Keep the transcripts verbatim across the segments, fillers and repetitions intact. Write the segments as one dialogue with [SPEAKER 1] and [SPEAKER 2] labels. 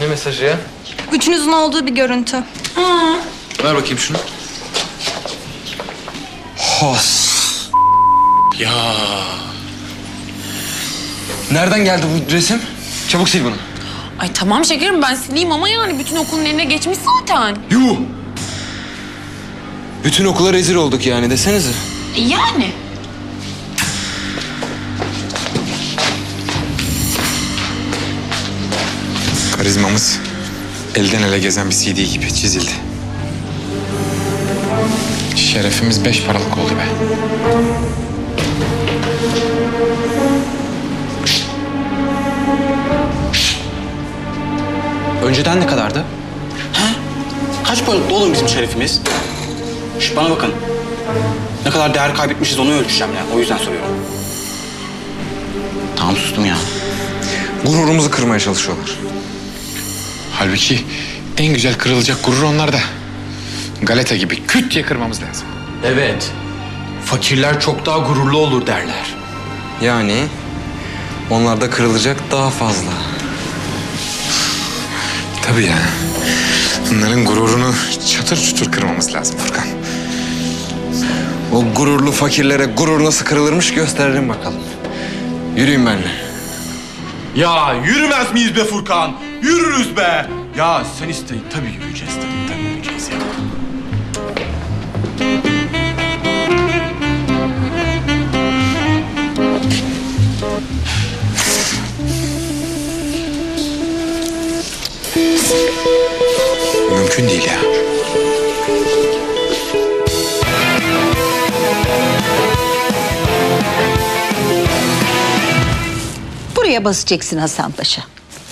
[SPEAKER 1] mesajı ya?
[SPEAKER 2] Üçünüzün olduğu bir görüntü.
[SPEAKER 1] Ha. Ver bakayım şunu. Has. Ya. Nereden geldi bu resim? Çabuk sil bunu.
[SPEAKER 3] Ay tamam şekerim ben sileyim ama yani bütün okulun eline geçmiş zaten.
[SPEAKER 1] Yuh! Bütün okula rezil olduk yani desenize.
[SPEAKER 3] E yani.
[SPEAKER 4] Karizmamız elden ele gezen bir C D gibi çizildi. Şerefimiz beş paralık oldu be.
[SPEAKER 5] Önceden ne kadardı?
[SPEAKER 6] He? Kaç paralık oğlum bizim şerefimiz? Şş, bana bakın. Ne kadar değer kaybetmişiz onu ölçeceğim ya. O yüzden soruyorum. Tamam sustum ya.
[SPEAKER 1] Gururumuzu kırmaya çalışıyorlar.
[SPEAKER 4] Halbuki en güzel kırılacak gurur onlarda. Galeta gibi küt diye kırmamız lazım.
[SPEAKER 5] Evet. Fakirler çok daha gururlu olur derler.
[SPEAKER 1] Yani onlarda kırılacak daha fazla.
[SPEAKER 4] Tabii ya. Onların gururunu çatır çutur kırmamız lazım Furkan.
[SPEAKER 1] O gururlu fakirlere gurur nasıl kırılırmış gösterelim bakalım. Yürüyün benimle.
[SPEAKER 7] Ya yürümez miyiz be Furkan? Yürürüz be. Ya sen isteyin tabii yürüyeceğiz tabii, tabii yürüyeceğiz ya.
[SPEAKER 4] Mümkün değil ya.
[SPEAKER 8] Buraya basacaksın Hasan Paşa.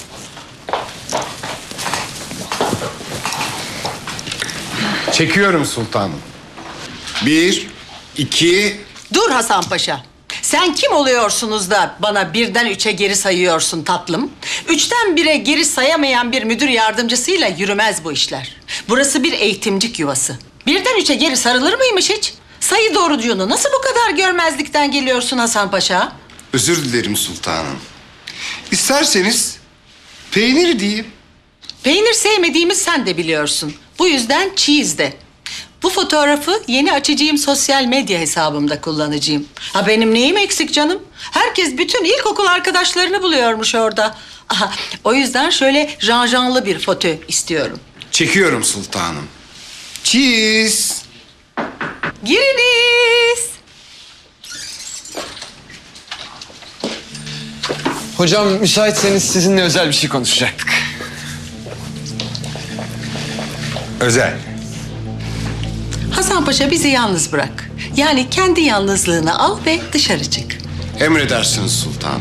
[SPEAKER 9] Çekiyorum sultanım. Bir, iki...
[SPEAKER 8] Dur Hasan Paşa. Sen kim oluyorsunuz da bana birden üçe geri sayıyorsun tatlım? Üçten bire geri sayamayan bir müdür yardımcısıyla yürümez bu işler. Burası bir eğitimcik yuvası. Birden üçe geri sarılır mıymış hiç? Sayı doğrucuğunu nasıl bu kadar görmezlikten geliyorsun Hasan Paşa?
[SPEAKER 9] Özür dilerim sultanım. İsterseniz peynir diyeyim.
[SPEAKER 8] Peynir sevmediğimi sen de biliyorsun. Bu yüzden cheese de. Bu fotoğrafı yeni açacağım sosyal medya hesabımda kullanacağım. Ha benim neyim eksik canım? Herkes bütün ilkokul arkadaşlarını buluyormuş orada. Aha, o yüzden şöyle janjanlı bir foto istiyorum.
[SPEAKER 9] Çekiyorum sultanım. Cheese.
[SPEAKER 8] Giriniz.
[SPEAKER 1] Hocam müsaitseniz sizinle özel bir şey konuşacaktık.
[SPEAKER 9] Özel.
[SPEAKER 8] Hasan Paşa bizi yalnız bırak. Yani kendi yalnızlığını al ve dışarı çık.
[SPEAKER 9] Emredersiniz sultanım.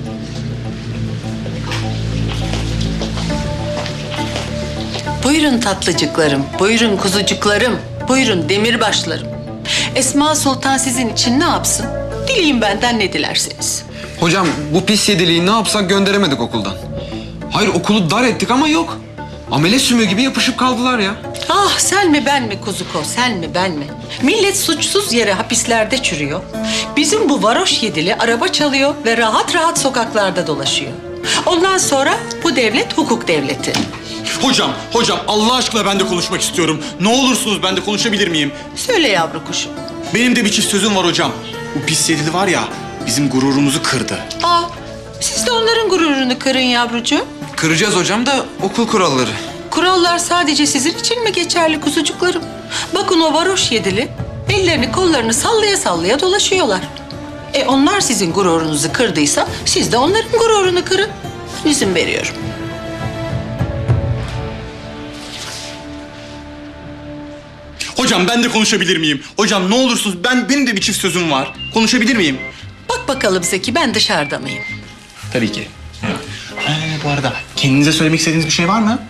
[SPEAKER 8] Buyurun tatlıcıklarım, buyurun kuzucuklarım, buyurun demirbaşlarım. Esma Sultan sizin için ne yapsın? Dileyin benden ne dilerseniz.
[SPEAKER 1] Hocam bu pis yediliği ne yapsak gönderemedik okuldan. Hayır okulu dar ettik ama yok. Amele sümüğü gibi yapışıp kaldılar ya.
[SPEAKER 8] Ah sen mi ben mi kuzuko, sen mi ben mi? Millet suçsuz yere hapislerde çürüyor. Bizim bu varoş yedili araba çalıyor ve rahat rahat sokaklarda dolaşıyor. Ondan sonra bu devlet hukuk devleti.
[SPEAKER 7] Hocam, hocam Allah aşkına ben de konuşmak istiyorum. Ne olursunuz ben de konuşabilir miyim?
[SPEAKER 8] Söyle yavru kuşum.
[SPEAKER 7] Benim de bir çift sözüm var hocam. Bu pis yedili var ya bizim gururumuzu kırdı.
[SPEAKER 8] Aa, siz de onların gururunu kırın yavrucuğum.
[SPEAKER 1] Kıracağız hocam da okul kuralları.
[SPEAKER 8] Kurallar sadece sizin için mi geçerli kuzucuklarım? Bakın o varoş yedili ellerini kollarını sallaya sallaya dolaşıyorlar. E onlar sizin gururunuzu kırdıysa siz de onların gururunu kırın. İzin veriyorum.
[SPEAKER 7] Hocam ben de konuşabilir miyim? Hocam ne olursunuz ben benim de bir çift sözüm var. Konuşabilir miyim?
[SPEAKER 8] Bak bakalım Zeki ben dışarıda mıyım?
[SPEAKER 6] Tabii ki. Ee, bu arada kendinize söylemek istediğiniz bir şey var mı?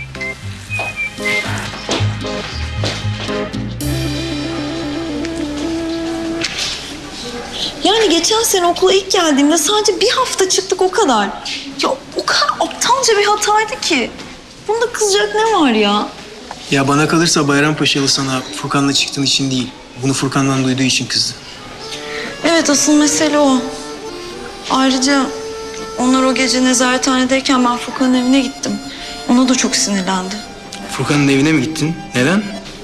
[SPEAKER 10] Yani geçen sene okula ilk geldiğimde sadece bir hafta çıktık o kadar. Ya o kadar aptalca bir hataydı ki. Bunda kızacak ne var ya?
[SPEAKER 11] Ya bana kalırsa Bayrampaşalı sana Furkan'la çıktığın için değil, bunu Furkan'dan duyduğu için kızdı.
[SPEAKER 10] Evet asıl mesele o. Ayrıca onlar o gece nezarethanedeyken ben Furkan'ın evine gittim. Ona da çok sinirlendi.
[SPEAKER 11] Furkan'ın evine mi gittin? Neden?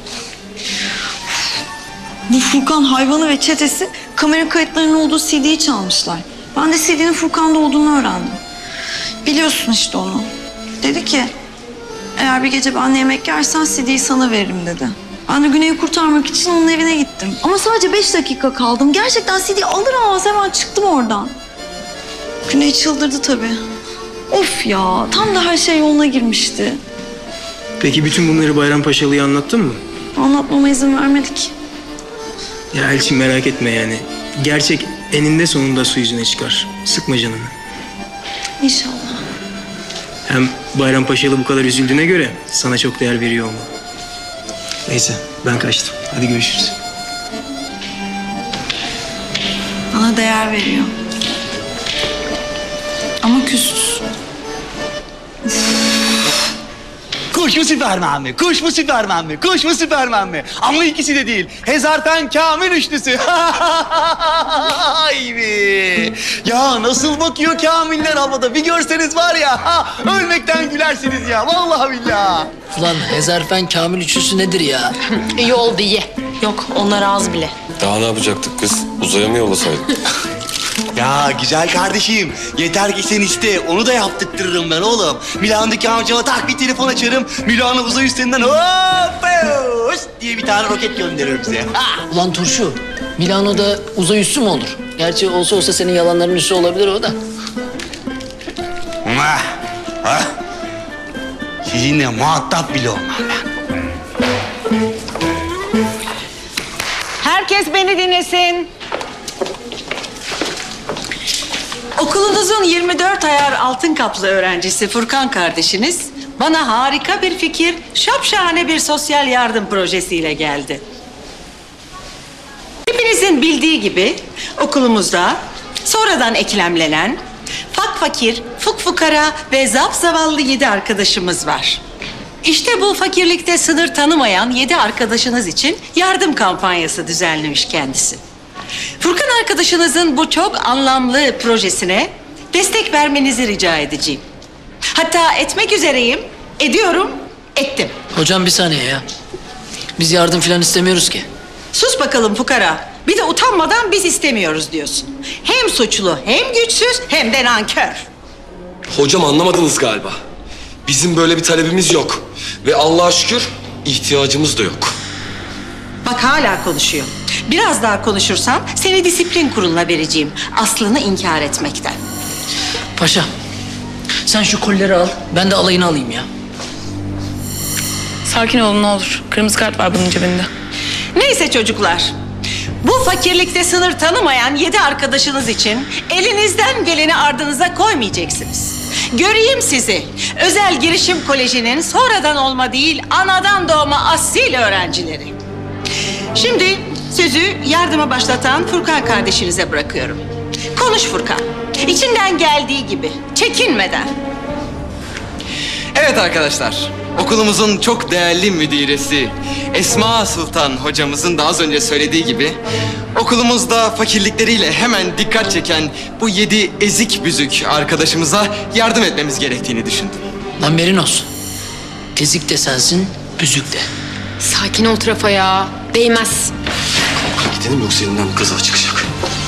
[SPEAKER 10] Bu Furkan hayvanı ve çetesi kamera kayıtlarının olduğu C D'yi çalmışlar. Ben de C D'nin Furkan'da olduğunu öğrendim. Biliyorsun işte onu. Dedi ki eğer bir gece benle yemek yersen C D'yi sana veririm dedi. Ben de Güney'i kurtarmak için onun evine gittim. Ama sadece beş dakika kaldım. Gerçekten C D'yi alır almaz hemen çıktım oradan. Güney çıldırdı tabii. Of ya, tam da her şey yoluna girmişti.
[SPEAKER 11] Peki bütün bunları Bayrampaşalı'ya anlattın mı?
[SPEAKER 10] Anlatmama izin vermedik.
[SPEAKER 11] Ya Elçin merak etme yani. Gerçek eninde sonunda su yüzüne çıkar. Sıkma canını.
[SPEAKER 10] İnşallah.
[SPEAKER 11] Hem Bayrampaşalı bu kadar üzüldüğüne göre sana çok değer veriyor olmalı. Neyse ben kaçtım. Hadi görüşürüz.
[SPEAKER 10] Bana değer veriyor. Ama küsüz.
[SPEAKER 12] Kuş mu Süperman mi? Kuş mu Süperman mi? Kuş mu Süperman mi? Ama ikisi de değil. Hezarfen Kamil üçlüsü. Ay be. Ya nasıl bakıyor Kamiller havada? Bir görseniz var ya. Ha, ölmekten gülersiniz ya. Vallahi billahi.
[SPEAKER 13] Ulan Hezarfen Kamil üçlüsü nedir ya?
[SPEAKER 3] İyi oldu iyi. Yok onlar az bile.
[SPEAKER 14] Daha ne yapacaktık kız? Uzaya mı yollasaydık?
[SPEAKER 12] Ya güzel kardeşim, yeter ki sen iste, onu da yaptırtırırım ben oğlum. Milano'daki amcama tak bir telefon açarım, Milano uzay üstünden hop hoş diye bir tane roket gönderirim size. Ha!
[SPEAKER 13] Ulan Turşu, Milano'da uzay üssü mü olur? Gerçi olsa olsa senin yalanların üssü olabilir o da.
[SPEAKER 12] Ha, ha. Sizinle muhatap bile olmam ben.
[SPEAKER 8] Herkes beni dinlesin. Okulunuzun yirmi dört ayar altın kaplı öğrencisi Furkan kardeşiniz bana harika bir fikir, şapşahane bir sosyal yardım projesiyle geldi. Hepinizin bildiği gibi okulumuzda sonradan eklemlenen fak fakir, fuk fukara ve zap zavallı yedi arkadaşımız var. İşte bu fakirlikte sınır tanımayan yedi arkadaşınız için yardım kampanyası düzenlemiş kendisi. Furkan arkadaşınızın bu çok anlamlı projesine destek vermenizi rica edeceğim. Hatta etmek üzereyim, ediyorum, ettim.
[SPEAKER 13] Hocam bir saniye ya. Biz yardım falan istemiyoruz ki.
[SPEAKER 8] Sus bakalım fukara. Bir de utanmadan biz istemiyoruz diyorsun. Hem suçlu, hem güçsüz, hem de nankör.
[SPEAKER 14] Hocam anlamadınız galiba. Bizim böyle bir talebimiz yok. Ve Allah'a şükür ihtiyacımız da yok.
[SPEAKER 8] Bak hala konuşuyor. Biraz daha konuşursan seni disiplin kuruluna vereceğim. Aslını inkar etmekten.
[SPEAKER 13] Paşa, sen şu kolleri al, ben de alayını alayım ya.
[SPEAKER 3] Sakin olun ne olur. Kırmızı kart var bunun cebinde.
[SPEAKER 8] Neyse çocuklar. Bu fakirlikte sınır tanımayan yedi arkadaşınız için elinizden geleni ardınıza koymayacaksınız. Göreyim sizi. Özel Girişim Koleji'nin sonradan olma değil, anadan doğma asil öğrencileri. Şimdi sözü yardıma başlatan Furkan kardeşinize bırakıyorum. Konuş Furkan. İçinden geldiği gibi, çekinmeden.
[SPEAKER 1] Evet arkadaşlar, okulumuzun çok değerli müdiresi Esma Sultan hocamızın da az önce söylediği gibi okulumuzda fakirlikleriyle hemen dikkat çeken bu yedi ezik büzük arkadaşımıza yardım etmemiz gerektiğini düşündüm.
[SPEAKER 13] Lan Merinos, ezik de sensin, büzük de.
[SPEAKER 3] Sakin ol Trafa ya. Değmez.
[SPEAKER 14] Gidelim yoksa elinden bir kaza çıkacak.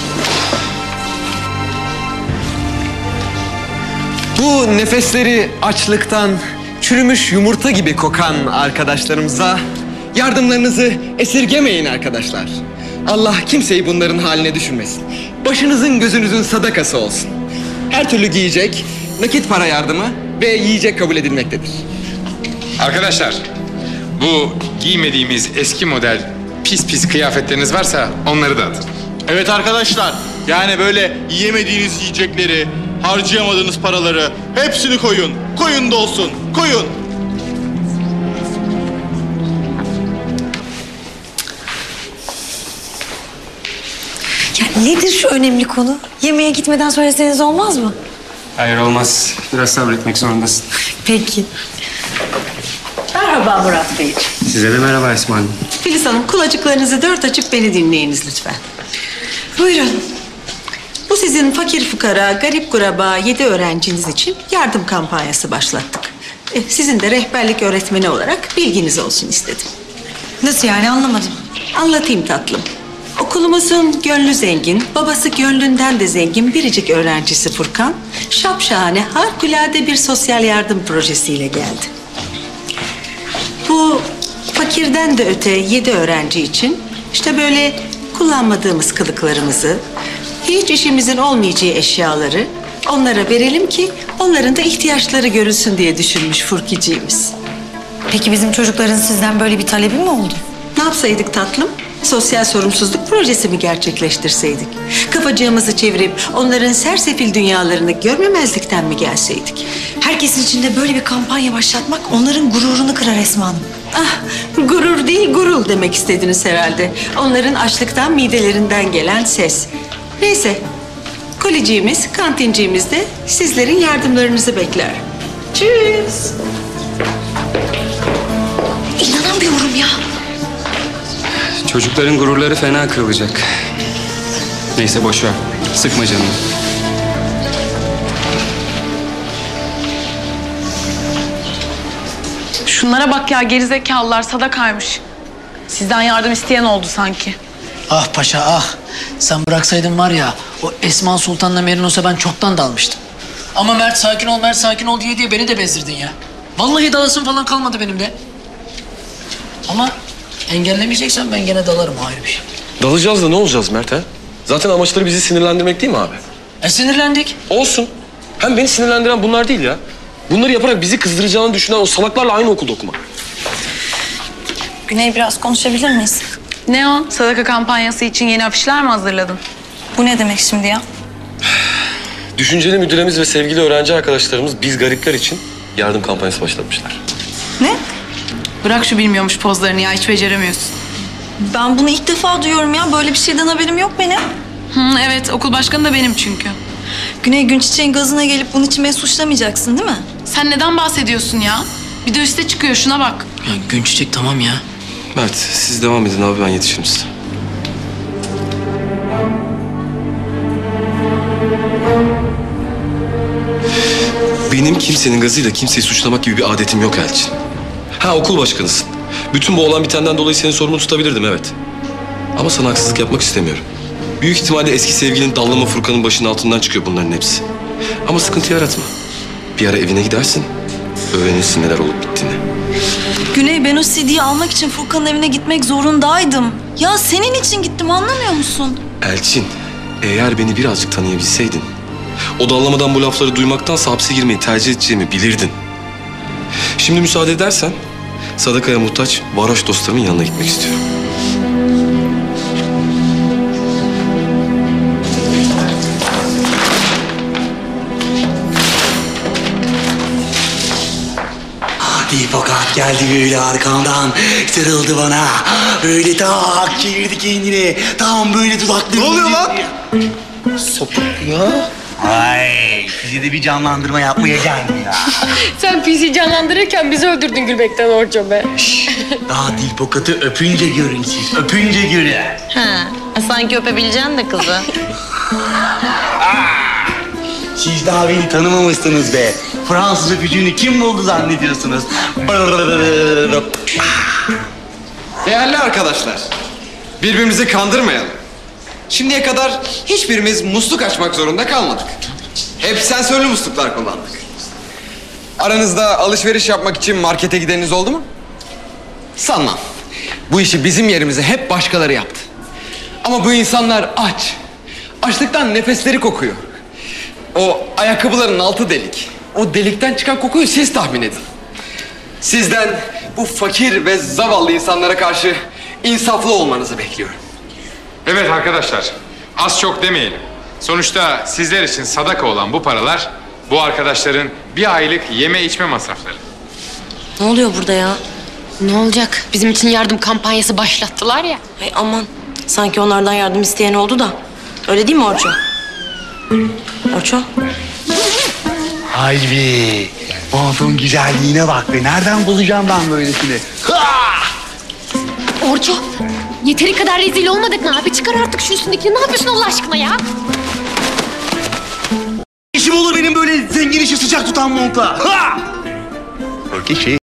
[SPEAKER 1] Bu nefesleri açlıktan çürümüş yumurta gibi kokan arkadaşlarımıza yardımlarınızı esirgemeyin arkadaşlar. Allah kimseyi bunların haline düşürmesin. Başınızın gözünüzün sadakası olsun. Her türlü giyecek, nakit para yardımı ve yiyecek kabul edilmektedir.
[SPEAKER 4] Arkadaşlar, bu giymediğimiz eski model pis pis kıyafetleriniz varsa onları da atın.
[SPEAKER 7] Evet arkadaşlar, yani böyle yiyemediğiniz yiyecekleri, harcayamadığınız paraları hepsini koyun. Koyun da olsun, koyun.
[SPEAKER 10] Ya nedir şu önemli konu? Yemeğe gitmeden söyleseniz olmaz mı?
[SPEAKER 11] Hayır olmaz. Biraz sabretmek zorundasın.
[SPEAKER 10] Peki.
[SPEAKER 8] Merhaba Murat Bey.
[SPEAKER 11] Size de merhaba Esma Hanım.
[SPEAKER 8] Filiz Hanım, kulacıklarınızı dört açıp beni dinleyiniz lütfen. Buyurun. Bu sizin fakir fukara, garip kuraba yedi öğrenciniz için yardım kampanyası başlattık. E, sizin de rehberlik öğretmeni olarak bilginiz olsun istedim.
[SPEAKER 10] Nasıl yani anlamadım.
[SPEAKER 8] Anlatayım tatlım. Okulumuzun gönlü zengin, babası gönlünden de zengin biricik öğrencisi Furkan, şapşahane harikulade bir sosyal yardım projesiyle geldi. Bu fakirden de öte yedi öğrenci için işte böyle kullanmadığımız kılıklarımızı, hiç işimizin olmayacağı eşyaları onlara verelim ki onların da ihtiyaçları görülsün diye düşünmüş Furkiciğimiz.
[SPEAKER 10] Peki bizim çocukların sizden böyle bir talebi mi oldu?
[SPEAKER 8] Ne yapsaydık tatlım? Sosyal sorumsuzluk projesi mi gerçekleştirseydik? Kafacığımızı çevirip onların sersefil dünyalarını görmemezlikten mi gelseydik?
[SPEAKER 10] Herkesin içinde böyle bir kampanya başlatmak onların gururunu kırar Esma Hanım.
[SPEAKER 8] Ah, gurur değil gurul demek istediniz herhalde. Onların açlıktan midelerinden gelen ses. Neyse, koleciğimiz, kantinciğimiz de sizlerin yardımlarınızı bekler. Tschüss.
[SPEAKER 10] İnanamıyorum ya.
[SPEAKER 15] Çocukların gururları fena kırılacak. Neyse boş ver. Sıkma canını.
[SPEAKER 3] Şunlara bak ya, gerizekalılar sadakaymış. Sizden yardım isteyen oldu sanki.
[SPEAKER 13] Ah paşa ah. Sen bıraksaydın var ya o Esma Sultan'la Merinos'a ben çoktan dalmıştım. Ama Mert sakin ol Mert sakin ol diye diye beni de bezdirdin ya. Vallahi dalasın falan kalmadı benim de. Ama engellemeyeceksen ben gene dalarım, ayrı bir şey.
[SPEAKER 14] Dalacağız da ne olacağız Mert ha? Zaten amaçları bizi sinirlendirmek değil mi abi?
[SPEAKER 13] E sinirlendik.
[SPEAKER 14] Olsun. Hem beni sinirlendiren bunlar değil ya. Bunları yaparak bizi kızdıracağını düşünen o salaklarla aynı okulda okuma.
[SPEAKER 10] Güney biraz konuşabilir miyiz?
[SPEAKER 3] Ne o? Sadaka kampanyası için yeni afişler mi hazırladın?
[SPEAKER 10] Bu ne demek şimdi ya?
[SPEAKER 14] Düşünceli müdüremiz ve sevgili öğrenci arkadaşlarımız biz garipler için yardım kampanyası başlatmışlar.
[SPEAKER 10] Ne?
[SPEAKER 3] Bırak şu bilmiyormuş pozlarını ya, hiç beceremiyorsun.
[SPEAKER 10] Ben bunu ilk defa duyuyorum ya. Böyle bir şeyden haberim yok benim.
[SPEAKER 3] Hı, evet, okul başkanı da benim çünkü.
[SPEAKER 10] Güney Günçiçek'in gazına gelip bunun için beni suçlamayacaksın değil mi?
[SPEAKER 3] Sen neden bahsediyorsun ya? Bir de üste çıkıyor, şuna bak.
[SPEAKER 13] Ya Günçiçek tamam ya.
[SPEAKER 14] Mert siz devam edin abi, ben yetişirim size. Benim kimsenin gazıyla kimseyi suçlamak gibi bir adetim yok Elçin. Ha okul başkanısın. Bütün bu olan bitenden dolayı seni sorumlu tutabilirdim evet. Ama sana haksızlık yapmak istemiyorum. Büyük ihtimalle eski sevgilin Dallama Furkan'ın başının altından çıkıyor bunların hepsi. Ama sıkıntı yaratma. Bir ara evine gidersin, öğrenirsin neler olup bittiğini.
[SPEAKER 10] Güney ben o C D'yi almak için Furkan'ın evine gitmek zorundaydım. Ya senin için gittim, anlamıyor musun?
[SPEAKER 14] Elçin, eğer beni birazcık tanıyabilseydin, o dallamadan bu lafları duymaktansa hapse girmeyi tercih edeceğimi bilirdin. Şimdi müsaade edersen, sadakaya muhtaç varoş dostlarımın yanına gitmek istiyorum.
[SPEAKER 12] Hadi fakat geldi böyle arkamdan, sarıldı bana. Böyle tak çevirdi kendini. Tam böyle dudakları...
[SPEAKER 6] Ne oluyor lan?
[SPEAKER 12] Sapık ya. Ay, bize de bir canlandırma yapmaya geldi ya.
[SPEAKER 3] Sen P C canlandırırken bizi öldürdün gülmekten Orço be.
[SPEAKER 12] Daha dil pokatı öpünce görün siz, öpünce görün.
[SPEAKER 3] Ha, sanki öpebileceksin de kızı.
[SPEAKER 12] Siz daha beni tanımamışsınız be. Fransız öpücüğünü kim buldu zannediyorsunuz?
[SPEAKER 1] Değerli arkadaşlar, birbirimizi kandırmayalım. Şimdiye kadar hiçbirimiz musluk açmak zorunda kalmadık. Hep sensörlü musluklar kullandık. Aranızda alışveriş yapmak için markete gideniniz oldu mu? Sanmam. Bu işi bizim yerimize hep başkaları yaptı. Ama bu insanlar aç. Açlıktan nefesleri kokuyor. O ayakkabıların altı delik. O delikten çıkan kokuyu siz tahmin edin. Sizden bu fakir ve zavallı insanlara karşı insaflı olmanızı bekliyorum.
[SPEAKER 4] Evet arkadaşlar, az çok demeyelim. Sonuçta sizler için sadaka olan bu paralar, bu arkadaşların bir aylık yeme içme masrafları.
[SPEAKER 16] Ne oluyor burada ya? Ne olacak? Bizim için yardım kampanyası başlattılar ya.
[SPEAKER 17] Ay aman, sanki onlardan yardım isteyen oldu da. Öyle değil mi Orço? Orço?
[SPEAKER 12] Haybi, montun güzelliğine bak be. Nereden bulacağım ben böylesini?
[SPEAKER 16] Orço, yeteri kadar rezil olmadık mı abi? Çıkar artık şu üstündekini. Ne yapıyorsun Allah aşkına ya?
[SPEAKER 12] İşim olur benim böyle zengin işi sıcak tutan montla. Ha!
[SPEAKER 9] o kişi